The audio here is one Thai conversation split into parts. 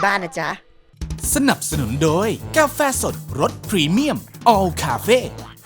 บ้านนะจ๊ะสนับสนุนโดยกาแฟสดรสพรีเมียม All Cafe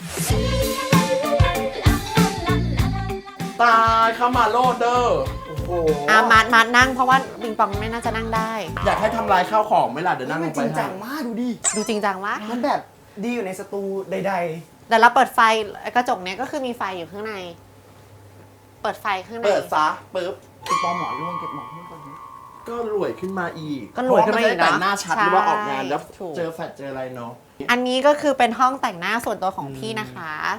ตายเข้ามาโลดเดอร์โอ้โหมานั่งเพราะว่าปิงปองไม่น่าจะนั่งได้อยากให้ทำลายข้าวของไหมล่ะเดี๋ยวนั่งลมันงจไปริงจัให้งมากดูดิดูจริงจังวะมันแบบดีอยู่ในสตูใดแต่เราเปิดไฟกระจกเนี้ยก็คือมีไฟอยู่ข้างใน เปิดไฟข้างในเปิดซะปึ๊บๆคุณปอหมอร่วงเก็บหมอนให้ก่อนดิก็รวยขึ้นมาอีกก็รวยขึ้นมาอีกเพระนจะได้แต่งหน้าเนาะชัดหรือว่าออกงานแล้วถูกเจอแฟลชเจออะไรเนาะอันนี้ก็คือเป็นห้องแต่งหน้าส่วนตัวของพี่นะคะ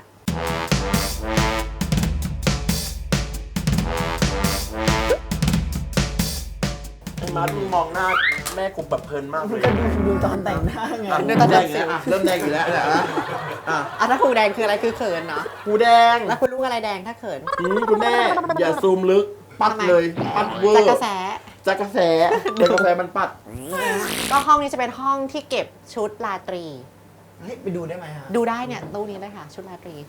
ไอ้มาร์ทมึงมองหน้าแม่กูแบบเพลินมากเลมันยก็ดูตอนแต่งหน้าไงอ่ะดูตอนแดแต่งงอีกแล้วอ่ะเริ่มแดงอีกแล้วเนี่ยนะอ่ะถ้าหูแดงคืออะไรคือเขินเนาะกูแดงแล้วคุณลูกอะไรแดงถ้าเขินคุณแม่อย่าซูมลึกปัดทำไมเลยปัดเวอร์จากกระแสจากกระแสเดี๋ยวกาแฟมันปัดก็ห้องนี้จะเป็นห้องที่เก็บชุดราตรีเฮ้ยไปดูได้ไหมฮะดูได้เนี่ยตู้นี้เลยค่ะ ชุดราตรี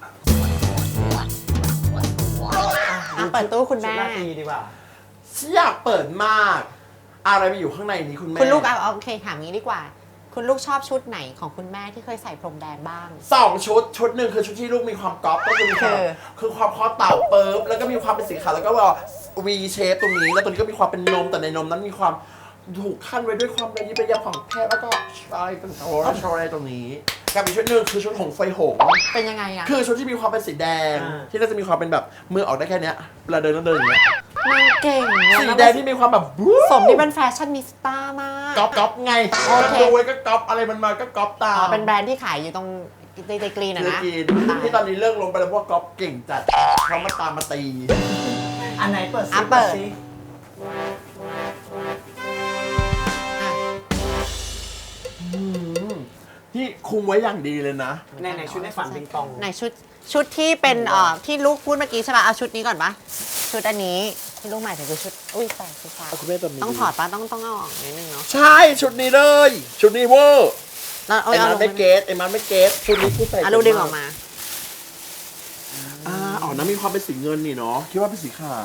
เปิดตู้คุณแม่ชุดราตรีดีกว่าอยากเปิดมาก อะไรไปอยู่ข้างในนี้คุณแม่คุณลูกเอาโอเคถามงี้ดีกว่า คุณลูกชอบชุดไหนของคุณแม่ที่เคยใส่พรมแดงบ้างชุดหนึ่งคือชุดที่ลูกมีความก๊อปก็คือมีความคือความคอเต่าเปิบแล้วก็มีความเป็นสีขาวแล้วก็ว่า V shape ตรงนี้แล้วตัวนี้ก็มีความเป็นนมแต่ในนมนั้นมีความถูกขั้นไว้ด้วยความระยิบระยับของแพทย์แล้วก็ชายเป็นโอะไรตรงนี้กับอีกชุดหนึ่งคือชุดของไฟหงส์เป็นยังไงอะคือชุดที่มีความเป็นสีแดงอ่าที่น่าจะมีความเป็นแบบมือออกได้แค่เนี้ยเวลาเดินต้องเดินอย่างเงี้ยนางเก่งอะสีแดงที่มีความแบบบู๊สมที่เป็นแฟชั่นนิสต้ามากก๊อปไงโอก็เคดูไว้ก็ก๊อปอะไรมันมาก็ก๊อปตามอ๋อเป็นแบรนด์ที่ขายอยู่ตรงในกรีนอะคือนะกินที่ตอนนี้เลิกลงไปแล้วเพราะว่าก๊อปเก่งจัดเขามาตามมาตีอันไหนเปิดซิอ่ะเปิดซิที่คุมไว้อย่างดีเลยนะในชุดในฝันปิงปองไหนชุดที่เป็นที่ลูกพูดเมื่อกี้ใช่ป่ะเอาชุดนี้ก่อนปะชุดอันนี้ที่ลูกหมายถึงคือชุดอุ้ยใส่คือฟ้าคุณแม่ตอนนี้ต้องถอดปะต้องเอาออกนิดนึงเนาะใช่ชุดนี้เลย ชุดนี้เวอร์แล้วเอาไอ้เอามันลงไม่เกตไอ้มันไม่เกตชุดนี้ผู้ใส่ลูกดึงออกมาอ๋อน้ำมีความเป็นสีเงินนี่เนาะคิดว่าเป็นสีขาว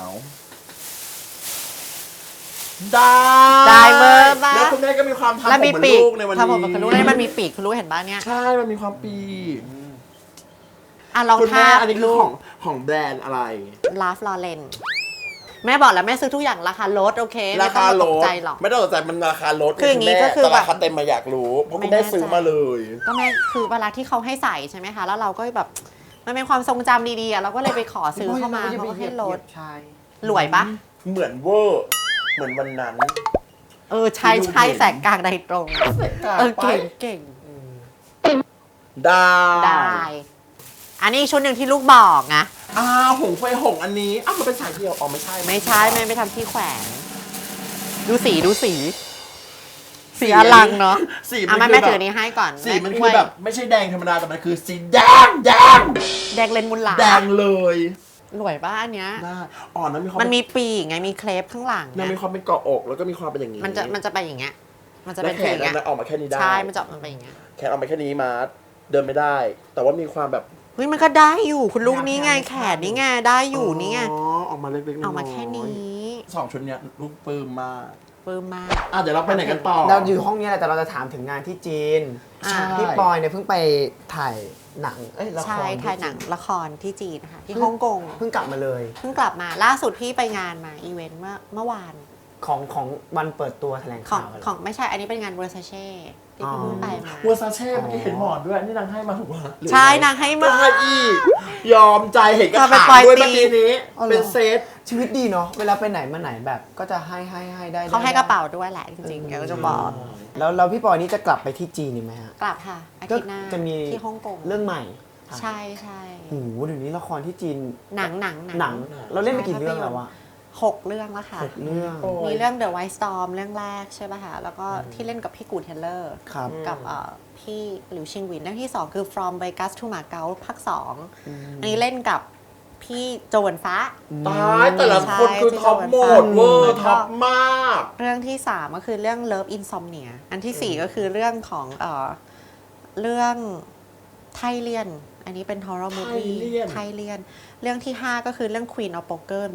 ได้ได้เบอร์ปะแล้วคุณแม่ก็มีความทำแล้วผมมีเหมือนปีกลูกในวันทำผมนี้กับลูกแล้วมันมีปีกคุณลูกเห็นปะเนี่ยใช่มันมีความปีกอ่ะลองคุณท่าแม่อันนี้คือลูขกองแบรนด์อะไรลาฟลอเรนแม่บอกแล้วแม่ซื้อทุกอย่างราคาลดโอเคไม่ราต้อคางมาลตกดใจหรอกไม่ต้องตกใจมันราคาลดคืออย่างงี้นี้ก็คือแต่แบบราคาเต็มมาอยากรู้เพราะไม่คุณแม่แน่ใจซื้อมาเลยก็แม่คือเวลาที่เขาให้ใส่ใช่ไหมคะแล้วเราก็แบบมันเป็นความทรงจำดีๆอ่ะเราก็เลยไปขอซื้อเข้ามาเขาก็ให้ลดใช่รวยปะเหมือนเวอร์เหมือนวันนั้นใช่ใช่แสกกลางใดตรงไปเก่งได้ได้ อันนี้ชุดหนึ่งที่ลูกบอกนะหงไฟหงอันนี้มันเป็นสายเดียวอ๋อไม่ใช่ไม่ใช่แม่ไปทำที่แขวนดูสีสีอลังเนาะสีอ่ะมันแม่คือถือแบบนี้ให้ก่อนสีมันช่คืวอย แบบไม่ใช่แดงธรรมดาแต่มันคือสีแดงแดงเลนมุนหลาแดงเลยรวยป้าอันเนี้ยได้อ๋อนั้นมีความมันมีปีกไงมีเคลปข้างหลังมันนะมีความเป็นเกาะอกแล้วก็มีความเป็นอย่างนี้มันจะไปอย่างเงี้ยมันจะแล้เป็วน แขอย่างเงี้ยนมันออกมาแค่นี้ได้ใช่มันจะมันไปอย่างเงี้ยแขนออกมาแค่นี้มาเดินไม่ได้ แต่ว่ามีความแบบเฮ้ยมันก็ได้อยู่คุณลูกนี่ไงแขนนี่ไงได้อยู่นี่ไงออกมาเล็กๆน้อยๆเอามาแค่นี้สองชุดเนี้ยลูกปลื้มมากปลื้มมากเดี๋ยวเราไปไหนกันต่อเราอยู่ห้องนี้แหละแต่เราจะถามถึงงานที่จีนอ่าที่ปอยเนี่ยเพิ่งไปถ่ายหนังละคใช่รถ่ายหนังละครที่จีนนะคะที่ฮ่องกงเพิ่งกลับมาเลยเพิ่งกลับมาล่าสุดพี่ไปงานมาอีเวนต์เมื่อวานของวันเปิดตัวแถลงของข่าวอะไรของไม่ใช่อันนี้เป็นงานเวอร์ซาเช่ที่พี่เพิ่งไปมาวัวซาเช่เมื่อกี้เห็นหมอนด้วยนี่นางให้มาถูกป่ะหรือใช่นางให้มาได้อีก ยอมใจเห็นกระเธอไปถางปล่อยด้วยตีเมื่อกี้นี้อ๋อเหรอเป็นเซตชีวิตดีเนาะเวลาไปไหนมาไหนแบบก็จะให้ได้เขาให้กระเป๋าด้วยแหละจริงๆเดี๋ยวจะบอกแล้วพี่ปอยนี่จะกลับไปที่จีนอีกไหมฮะกลับค่ะอาทิตย์หน้าจะมีที่ฮ่องกงเรื่องใหม่ใช่ใช่โอ้โหเดี๋ยวนี้ละครที่จีนหนังเราเล่นไปกี่เรื่องแล้ววะ 6 เรื่องแล้วค่ะ 6 เรื่องมีเรื่อง The White Storm เรื่องแรกใช่ป่ะคะแล้วก็ที่เล่นกับพี่กูเทเลอร์ครับกับพี่หลิวชิงหวินเรื่องที่ 2 คือ From Vegas to Macau ภาค 2 อันนี้เล่นกับพี่โจวนฟ้าตายแต่ละคนคือท็อปโหมดเวอร์ท็อปมากเรื่องที่ 3 ก็คือเรื่อง Love Insomnia อันที่ 4 ก็คือเรื่องของเรื่องไทเลียน อันนี้เป็น horror movie ไทเลียนไทเลียน เรื่องที่ 5 ก็คือเรื่อง Queen of Poker แบบ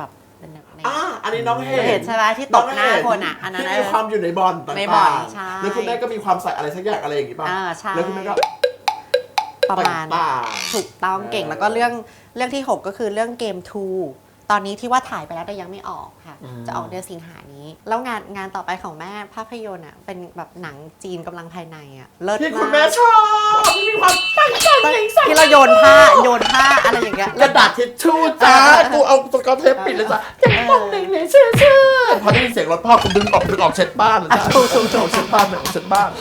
เป็นแบบในอันนี้น้องเห็นเห็นใช่ไหมที่ตบหน้าคนอ่ะอันนั้นที่มีความอยู่ในบอลต่างๆในบอลใช่แล้วคุณแม่ก็มีความใส่อะไรสักอย่างอะไรอย่างงี้ป่ะใช่แล้วคุณแม่ก็ประมาณต่างถูกต้องเก่งแล้วก็เรื่องที่ 6 ก็คือเรื่องเกม 2 ตอนนี้ที่ว่าถ่ายไปแล้วแต่ยังไม่ออกค่ะ จะออกเดือนสิงหานี้ แล้วงานต่อไปของแม่ภาพยนตร์อ่ะเป็นแบบหนังจีนกำลังภายในอ่ะเลิศที่มากคุณแม่ชอบที่มีความตั้งใจใส่ที่เราโยนผ้าอะไรอย่างเงี้ยกระดาษทิชชู่จ้ากูเอาสกอตเทปปิดเลยจ้ะเจ็บปองหนึ่งเนี่ยเชื่อพอได้ยินเสียงรถพ่อกูดึงออกเช็ดบ้านเลยจ้ะถูกเช็ดบ้านเลยเช็ดบ้าน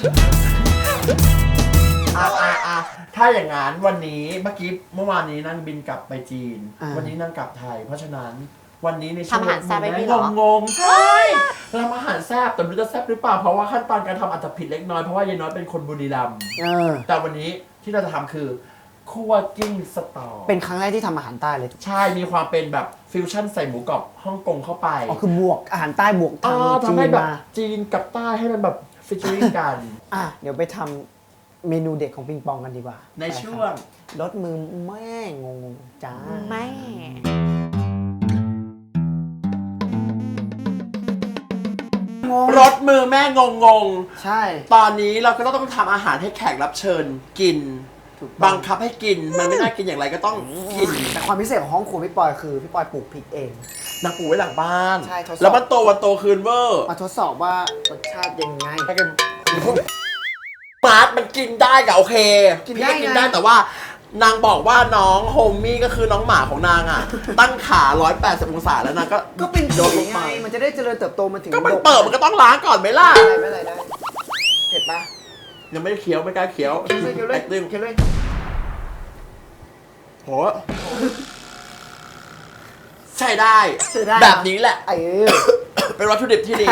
ถ้าอย่างนั้นวันนี้เมื่อวานนี้นั่งบินกลับไปจีน วันนี้นั่งกลับไทย เพราะฉะนั้นวันนี้ในช่วงทำอาหารแซ่บให้พี่เหรองงใช่ทำอาหารแซ่บแต่ไม่รู้จะแซ่บหรือเปล่าเพราะว่าขั้นตอนการทำอาจจะผิดเล็กน้อยเพราะว่ายายน้อยเป็นคนบุรีรัมย์แต่วันนี้ที่เราจะทำคือคั่วกิ้งสตอเป็นครั้งแรกที่ทำอาหารใต้เลยใช่มีความเป็นแบบฟิวชั่นใส่หมูกรอบฮ่องกงเข้าไปอ๋อคือบวกอาหารใต้บวกทางจีทำให้นแบบมาจีนกับใต้ให้มันแบบฟิชเชอริ่งกันเดี๋ยวไปทำเมนูเด็ดของปิงปองกันดีกว่าในช่วงรสมือแม่งงจ้าแม่รสมือแม่งงใช่ตอนนี้เราก็ต้องทำอาหารให้แขกรับเชิญกิน บังคับให้กินมันไม่น่ากินอย่างไรก็ต้องกินแต่ความพิเศษของห้องครัวพี่ปอยคือพี่ปอยปลูกพริกเองนางปูไว้หลังบ้านใช่ทดสอบแล้วมันโตวันโตคืนเวอร์มาทดสอบว่ารสชาติยังไงถ้ากันมาร์ทมันกินได้กับโอเคกินพี่ได้ก็กินไงได้แต่ว่านางบอกว่าน้องโฮมมี่ก็คือน้องหมาของนางอ่ะ ตั้งขา180องศาแล้วนางก็ก็เป็นโดผีนลงไงมามันจะได้เจริญเติบโตมันถึงก็มันดกเปิดมันก็ต้องล้างก่อนไหมล่ะไม่เป็นไรได้เผ็ดปะยังไม่ได้เคี้ยวไม่กล้าเคี้ยวเคี้ยวเลยตึงเคี้ยวเลยโหใช่ได้ใช่ได้แบบนี้แหละ เป็นวัตถุดิบที่ดี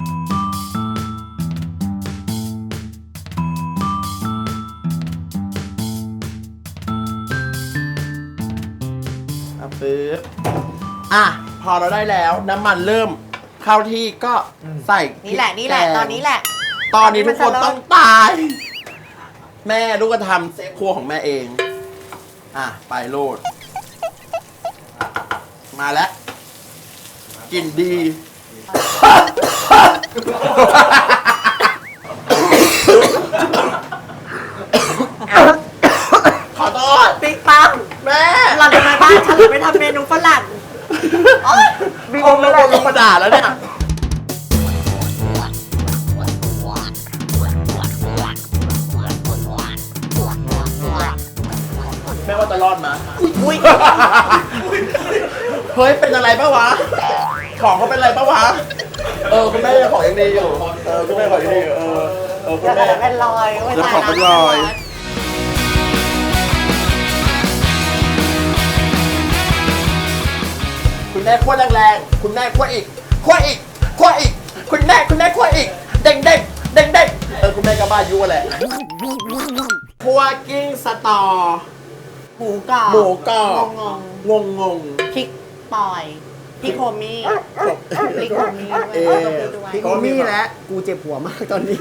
ปึ๊บพอเราได้แล้วน้ำมันเริ่มเข้าที่ก็ใส่พริกนี่แหละกงตอนนี้แหละตอนนี้ทุกคนมันจะเริ่มต้องตาย แม่ลูกก็ทำเซฟครัวของแม่เอง ไปโลด มาแล้วกลิ่นดี ขอโทษปิ๊กปังแม่หล่อนจะมาบ้านฉันหรือไปทำเมนูฝรั่งโอ๊ยมีองค์แล้วลงมาด่าแล้วเนี่ยแม่ว่าจะรอดมาอุ้ยเฮ้ย เป็นอะไรปะวะ ของเขาเป็นอะไรปะวะ คุณแม่ยังของยังดีอยู่ คุณแม่ของยังดีอยู่ คุณเดี๋ยวแม่เป็นรอยเดี๋ยวขอเป็นรอย คุณแม่ขั้วแรงๆ คุณแม่ขั้วอีก ขั้วอีก ขั้วอีก คุณแม่ขั้วอีก เด้งคุณแม่ก็บ้ายุแหละคั่วกิ้งสตอหมูกรอบหมูกรอบ งงพริกปอยพริกโฮมี่พริกโฮมี่ด้วยเอ๊ะด้วยพี่กูมี่แล้วกูเจ็บหัวมากตอนนี้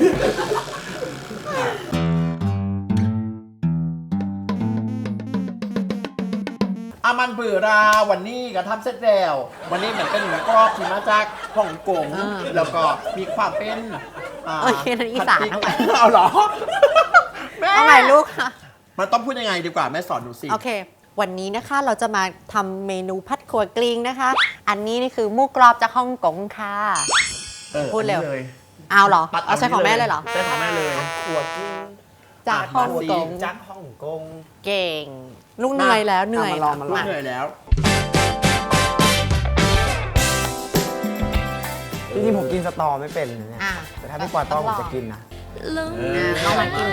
อามันเบื่อราวันนี้ก็ทำเสร็จแล้ว วันนี้เหมือนเป็นหมูกรอบที่มาจากฮ่องกง แล้วก็มีความเป็นโอเคนั่นอีสานเอาใหม่เอาเหรอ แม่เอาใหม่ลูกค่ะมันต้องพูดยังไงดีกว่าแม่สอนหนูสิโอเค วันนี้นะคะเราจะมาทำเมนูพัดขัวกลิ้งนะคะ อันนี้นี่คือหมูกรอบจากฮ่องกงค่ะ พูดเร็วอันนี้ลยเอาเหรอตัดเอาใช้ของแม่เลยเหรอใช้ของแม่เลยหัวกิ้งจากฮ่องกงจากฮ่องกงเก่ง ลูกเหนื่อยแล้วเหนื่อยมาลองมาลลูองกเหนื่อยแล้วจริงๆผมกินสตอไม่เป็นนะเนี่ยอ่ะแต่ถ้าพี่ปอยป้อนผมจะกินนะเอามากิน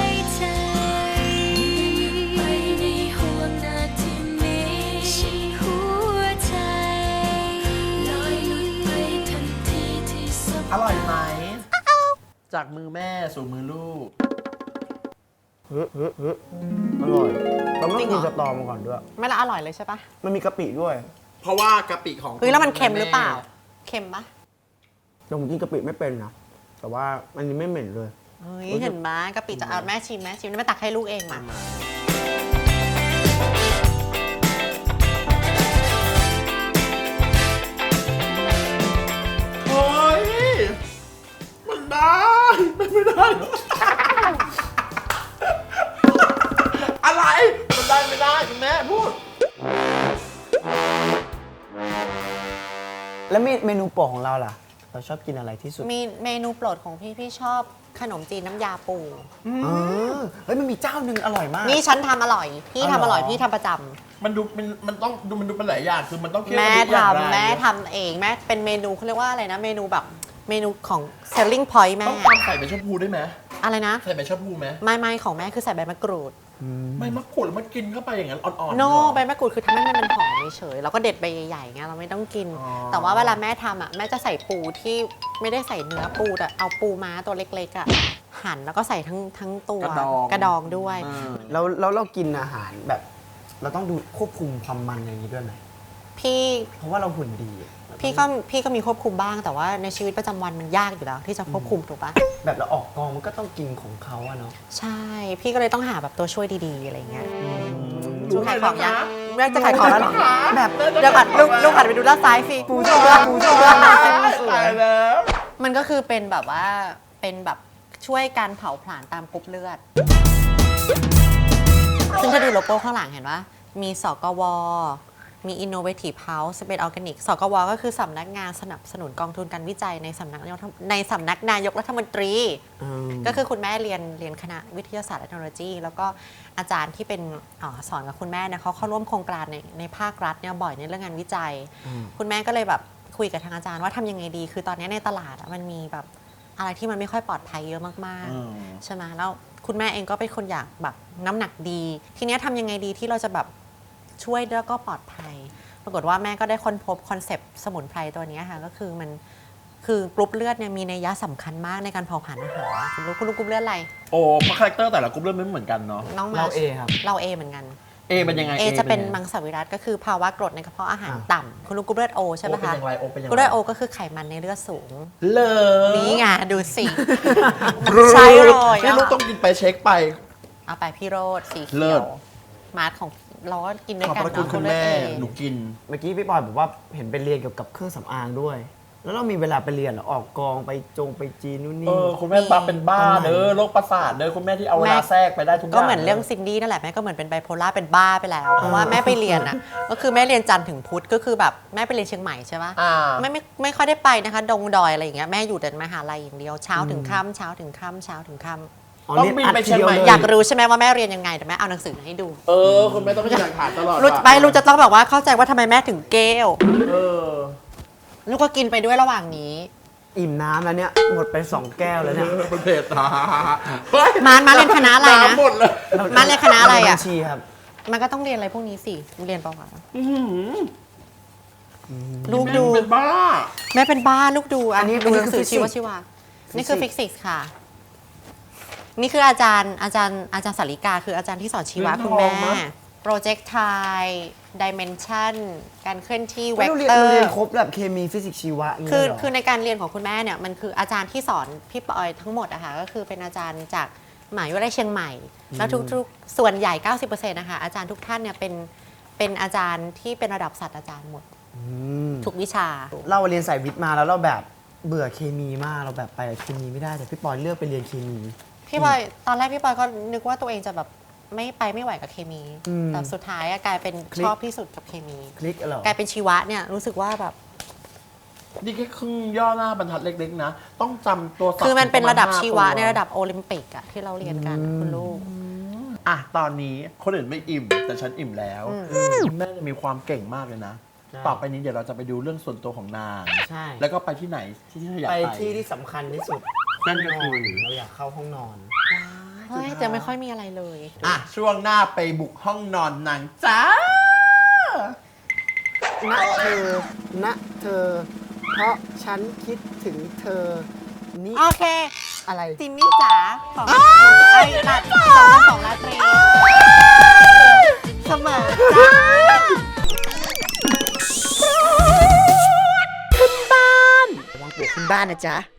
อร่อยไหม จากมือแม่สู่มือลูกอร่อยเราไม่ต้องกินสตอมาก่อนด้วยไม่ละอร่อยเลยใช่ปะมันมีกะปิด้วยเพราะว่ากะปิของเฮ้ยแล้วมันเค็มหรือเปล่า เค็มปะแต่ผมกินกะปิไม่เป็นนะ แต่ว่าอันนี้ไม่เหม็นเลยเฮ้ยเห็นไหมกะปิจะเอาแม่ชิมแล้วแม่ตักให้ลูกเองมามอะไรมันได้ไม่ได้คุณแม่พูดแล้วเมนูโปรดของเราล่ะ เราชอบกินอะไรที่สุดมีเมนูโปรดของพี่ชอบขนมจีนน้ำยาปูเฮ้ยมันมีเจ้าหนึ่งอร่อยมากนี่ฉันทำอร่อย พี่ทำอร่อยอ๋อพี่ทำประจำมันดูมันต้องดูมันดูเป็นหลายอย่างคือมันต้องเคี่ยวแม่ทุกอย่างทำแม่ทำเองแม่เป็นเมนูเขาเรียกว่าอะไรนะ เมนูแบบเมนูของ selling point แม่ต้องตำใส่ใบชะพูได้ไหมอะไรนะใส่ใบชะพูไหมไม่ของแม่คือใส่ใบมะกรูดไม่มะกรูดแล้วมันกินเข้าไปอย่างนั้นอ่อนๆโน่เหรอใบมะกรูดคือทำให้มันหอมเฉยๆแล้วก็เด็ดใบใหญ่ๆไงเราไม่ต้องกินอ๋อแต่ว่าเวลาแม่ทำอ่ะแม่จะใส่ปูที่ไม่ได้ใส่เนื้อปูแต่เอาปูม้าตัวเล็กๆอ่ะหั่นแล้วก็ใส่ทั้งตัวกระดองด้วยแล้วเรากินอาหารแบบ เราต้องดูควบคุมความมันอย่างนี้ด้วยไหมพี่เพราะว่าเราหุ่นดีอะพี่ก็มีควบคุมบ้างแต่ว่าในชีวิตประจำวันมันยากอยู่แล้วที่จะควบคุมถูกปะแบบเราออกกองมันก็ต้องกินของเขาอะเนาะใช่ พี่ก็เลยต้องหาแบบตัวช่วยดีๆอะไรเงี้ยรู้ขายเลยของนะยังคะแม่จะขายของแล้วเหรอแบบเดี๋ยวก่อนลูกหันไปดูด้านซ้ายสิปูเชือกปูเชือกตายแล้วมันก็คือเป็นแบบว่าเป็นแบบช่วยการเผาผลาญตามกรุ๊ปเลือด ซึ่งถ้าดูโลโก้ข้างหลังเห็นว่ามีสกว มี Innovative House เป็นออร์แกนิก สกว ก็คือสำนักงานสนับสนุนกองทุนการวิจัยในสำนักนายกรัฐมนตรี ก็คือคุณแม่เรียนคณะวิทยาศาสตร์และเทคโนโลยี แล้วก็อาจารย์ที่เป็นสอนกับคุณแม่เนี่ยเขาเข้าร่วมโครงการในภาครัฐเนี่ยบ่อยในเรื่องงานวิจัย คุณแม่ก็เลยแบบคุยกับทางอาจารย์ว่าทำยังไงดี คือตอนนี้ในตลาดมันมีแบบอะไรที่มันไม่ค่อยปลอดภัยเยอะมากๆใช่ไหมแล้วคุณแม่เองก็เป็นคนอยากแบบน้ำหนักดี ทีนี้ทำยังไงดีที่เราจะแบบช่วยแล้วก็ปลอดภัย ปรากฏว่าแม่ก็ได้ค้นพบคอนเซปต์สมุนไพรตัวนี้ค่ะก็คือมันคือกรุ๊ปเลือดเนี่ยมีนัยยะสำคัญมากในการเผาผลาญอาหารคุณรู้กรุ๊ปเลือดอะไรโอ้เพราะคาแรคเตอร์แต่ละกลุ่มเริ่มไม่เหมือนกันเนาะน้องมาเรา A ครับเราเอเหมือนกันเอเป็นยังไงเอจะเป็นยังไงมังสวิรัติก็คือภาวะกรดในกระเพาะอาหารต่ำคุณรู้กรุ๊ปเลือดโอใช่ไหมโอเป็นคะอย่างไรโอเป็นอย่างกรุ๊ปไรเลือดโอก็คือไขมันในเลือดสูงเลอนี่ไงดูสิ ใช่เลยนี่ลูกต้องกินไปเช็คไปเอาไปพี่โรดสีเลิเขียศวมาร์ทของเราก็กินด้วยขอบกันพระคุณเนาะคุณเลือดแม่เอหนูกินเมื่อกี้พี่ปอยบอกว่าเห็นไปเรียนเกี่ยวกับเครื่องสำอางด้วย แล้วเรามีเวลาไปเรียนเหรอออกกองไปจีนนู่นนี่คุณแม่บ้าเป็นบ้าเด้อโรคประสาทเด้อคุณแม่ที่เอาเวลาแทรกไปได้ทุกอย่างก็เหมือนเรื่องซินดี้นั่นแหละแม่ก็เหมือนเป็นไบโพล่าเป็นบ้าไปแล้ว เพราะว่าแม่ไปเรียนอ่ะ ก็คือแม่เรียนจันทร์ถึงพุธก็คือแบบแม่ไปเรียนเชียงใหม่ใช่ปะอ่าไม่ค่อยได้ไปนะคะดงดอยอะไรอย่างเงี้ยแม่อยู่แต่มหาลัยอย่างเดียวเช้าถึงค่ำเช้าถึงค่ำเช้าถึงค่ำต้องบินไปเชียงใหม่อยากรู้ใช่ไหมว่าแม่เรียนยังไงแต่แม่เอาหนังสือมาให้ดูคุณแม่ต้องมีหลักฐานตลอดรู้ไปรู้จะต้องแบบว่าเข้าใจว่าทำไมแม่ถึงเกลเออลูกก็กินไปด้วยระหว่างนี้อิ่มน้ำแล้วเนี่ยหมดไป2 แก้วแล้วเนี่ยเป็นเพจตามาเรียนคณะอะไรนะหมดเลยมาเรียนคณะอะไรอ่ะบัญชีครับมันก็ต้องเรียนอะไรพวกนี้สิเรียนเปล่าวะลูกดูเป็นบ้าแม่เป็นบ้าลูกดูอันนี้อันนี้ดูหนังสือคือชีวะนี่คือฟิสิกส์ค่ะ นี่คืออาจารย์สาริกาคืออาจารย์ที่สอนชีวะเรียนคุณแม่ทองนะ projectile dimension การเคลื่อนที่เวไม่กต้องเรียนเตอเราร์เรียนครบแบบเคมีฟิสิกส์ชีวะอย่างคืเงี้อยเหรอคือในการเรียนของคุณแม่เนี่ยมันคืออาจารย์ที่สอนพี่ปอยทั้งหมดอะค่ะก็คือเป็นอาจารย์จากมหาวิทยาลัยเชียงใหม่ แล้วทุกส่วนใหญ่ 90%นะคะอาจารย์ทุกท่านเนี่ยเป็นอาจารย์ที่เป็นระดับศาสตราจารย์หมดทุกวิชาเราเรียนสายวิทย์มาแล้วเราแบบเบื่อเคมีมากเราแบบไปเคมีไม่ได้แต่พี่ปอยเลือกไปเรียนเคมีพี่ปอยตอนแรกพี่ปอยก็นึกว่าตัวเองจะแบบไม่ไหวกับเคมี แต่สุดท้ายอะกลายเป็นชอบที่สุดกับเคมีคลิกเหรอกลายเป็นชีวะเนี่ยรู้สึกว่าแบบนี่แค่ครึ่งย่อหน้าบรรทัดเล็กๆนะ ต้องจำตัวศัพท์คือมันเป็นระดับปาณชีวะ 5 ในระดับโอลิมปิกอะที่เราเรียนกันคุณลูกอ่ะตอนนี้คนอื่นไม่อิ่ม แต่ฉันอิ่มแล้วคุณแม่จะมีความเก่งมากเลยนะ ต่อไปนี้เดี๋ยวเราจะไปดูเรื่องส่วนตัวของนางใช่แล้วก็ไปที่ไหนที่เธออยากไปไปที่ที่สำคัญที่สุดนั่นก็คือเราอยากเข้าห้องนอนเฮ้ยจะไม่ค่อยมีอะไรเลยอ่ะช่วงหน้าไปบุกห้องนอนนางจ้าณเธอ ณเธอ เพราะฉันคิดถึงเธอ นี่โอเคอะไรจินนี่จ๋าของไอ้ตัด2,200ราตรีเสมอจ้าระวังปลวกขึ้นบ้านนะจ๊ะ